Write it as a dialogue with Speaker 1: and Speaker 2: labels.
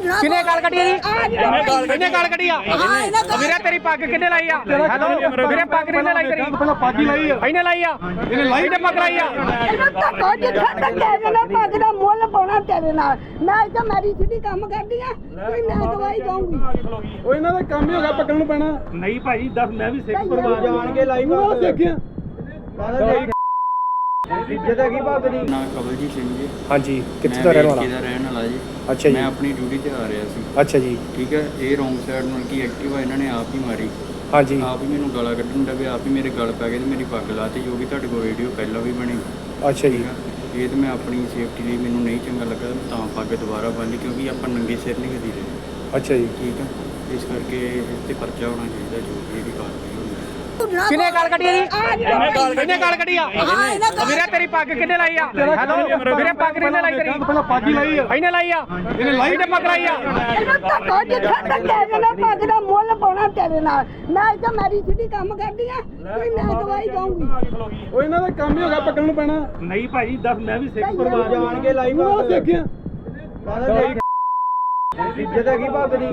Speaker 1: ਕਿੰਨੇ ਗਾਲ ਕੱਢੀ ਜੀ ਕਿੰਨੇ ਗਾਲ ਕੱਢੀ ਆ ਵੀਰੇ ਤੇਰੀ ਪੱਗ ਕਿੰਨੇ ਲਾਈ ਆ ਹੈਲੋ ਵੀਰੇ ਪੱਗ ਕਿੰਨੇ ਲਾਈ ਤੇਰੀ
Speaker 2: ਪਹਿਲਾਂ ਪੱਗ ਹੀ ਲਾਈ ਆ
Speaker 1: ਇਹਨੇ ਲਾਈ ਆ ਇਹਨੇ ਲਾਈ ਤੇ ਪੱਗ ਲਾਈ ਆ
Speaker 3: ਪੱਗ ਦਾ ਮੁੱਲ ਪਾਉਣਾ ਤੇਰੇ ਨਾਲ ਮੈਂ ਤਾਂ ਮੈਰੀ ਸਿੱਧੀ ਕੰਮ ਕਰਦੀ ਆ ਮੈਂ ਦਵਾਈ ਦਊਂਗੀ
Speaker 2: ਉਹ ਇਹਨਾਂ ਦਾ ਕੰਮ ਹੀ ਹੋ ਗਿਆ ਪੱਗਣ ਨੂੰ ਪੈਣਾ
Speaker 4: ਨਹੀਂ ਭਾਜੀ ਦੱਸ ਮੈਂ ਵੀ ਸਿੱਖ
Speaker 3: ਪਰਿਵਾਰ
Speaker 2: ਜਾਣ ਕੇ ਲਾਈ ਬਾਤ ਦੇਖਿਆ
Speaker 5: ਇੱਜ਼ਤ ਹੈਗੀ ਪੱਗ ਦੀ ਨਾ ਕਵਲਜੀਤ ਸਿੰਘ ਜੀ
Speaker 1: ਹਾਂਜੀ ਕਿੱਥੇ ਦਾ ਰਹਿਣ ਵਾਲਾ
Speaker 5: ਦਾ ਰਹਿਣ ਵਾਲਾ ਜੀ
Speaker 1: ਅੱਛਾ ਜੀ
Speaker 5: ਮੈਂ ਆਪਣੀ ਡਿਊਟੀ ਤੇ ਆ ਰਿਹਾ ਸੀ
Speaker 1: ਅੱਛਾ ਜੀ
Speaker 5: ਠੀਕ ਹੈ ਇਹ ਰੋਂਗ ਸਾਈਡ ਨਾਲ ਕੀ ਐਕਟਿਵਾ ਇਹਨਾਂ ਨੇ ਆਪ ਹੀ ਮਾਰੀ
Speaker 1: ਹਾਂਜੀ
Speaker 5: ਆਪ ਹੀ ਮੈਨੂੰ ਗਾਲਾਂ ਕੱਢਣ ਦਾ ਵੀ ਆਪ ਹੀ ਮੇਰੇ ਗਲ ਪੈ ਗਏ ਤੇ ਮੇਰੀ ਪੱਗ ਲਾਤੀ ਜੋ ਕਿ ਤੁਹਾਡੇ ਕੋਲ ਵੀਡੀਓ ਪਹਿਲਾਂ ਵੀ ਬਣੀ
Speaker 1: ਅੱਛਾ ਜੀ
Speaker 5: ਠੀਕ ਹੈ ਇਹ ਤੇ ਮੈਂ ਆਪਣੀ ਸੇਫਟੀ ਲਈ ਮੈਨੂੰ ਨਹੀਂ ਚੰਗਾ ਲੱਗਾ ਤਾਂ ਪੱਗ ਦੁਬਾਰਾ ਬੰਨ੍ਹੀ ਕਿਉਂਕਿ ਆਪਾਂ ਨੰਗੇ ਸਿਰ ਨਹੀਂ ਕਦੀ ਰਹੇ
Speaker 1: ਅੱਛਾ ਜੀ
Speaker 5: ਠੀਕ ਹੈ ਇਸ ਕਰਕੇ ਇਸ ਤੇ ਪਰਚਾ ਹੋਣਾ ਚਾਹੀਦਾ ਜੋ ਵੀ ਇਹਦੀ ਕਾਰਵਾਈ ਹੋਣੀ
Speaker 1: ਕਿੰਨੇ ਗਾਲ ਕੱਢੀ ਜੀ ਕਿੰਨੇ ਗਾਲ ਕੱਢੀ ਆ ਵੀਰੇ ਤੇਰੀ ਪੱਗ ਕਿੰਨੇ ਲਾਈ ਆ ਹੈਲੋ ਵੀਰੇ ਪੱਗ ਕਿੰਨੇ ਲਾਈ ਤੇਰੀ
Speaker 2: ਪਹਿਲਾਂ ਪੱਗ ਹੀ ਲਾਈ ਆ
Speaker 1: ਇਹਨੇ ਲਾਈ ਆ ਇਹਨੇ ਲਾਈ ਤੇ ਪੱਗ ਲਾਈ ਆ
Speaker 3: ਪੱਗ ਦਾ ਮੁੱਲ ਪਾਉਣਾ ਤੇਰੇ ਨਾਲ ਮੈਂ ਤਾਂ ਮੈਰੀ ਸਿੱਧੀ ਕੰਮ ਕਰਦੀ ਆ ਮੈਂ ਦਵਾਈ ਦਊਂਗੀ
Speaker 2: ਉਹ ਇਹਨਾਂ ਦਾ ਕੰਮ ਹੀ ਹੋ ਗਿਆ ਪੱਗਣ ਨੂੰ ਪੈਣਾ
Speaker 4: ਨਹੀਂ ਭਾਜੀ ਦੱਸ ਮੈਂ ਵੀ ਸਿੱਖ
Speaker 5: ਜਾਣ ਕੇ ਲਾਈ
Speaker 2: ਬਾਤ ਦੇਖਿਆ
Speaker 5: ਇੱਜ਼ਤ ਹੈਗੀ ਪੱਗ ਦੀ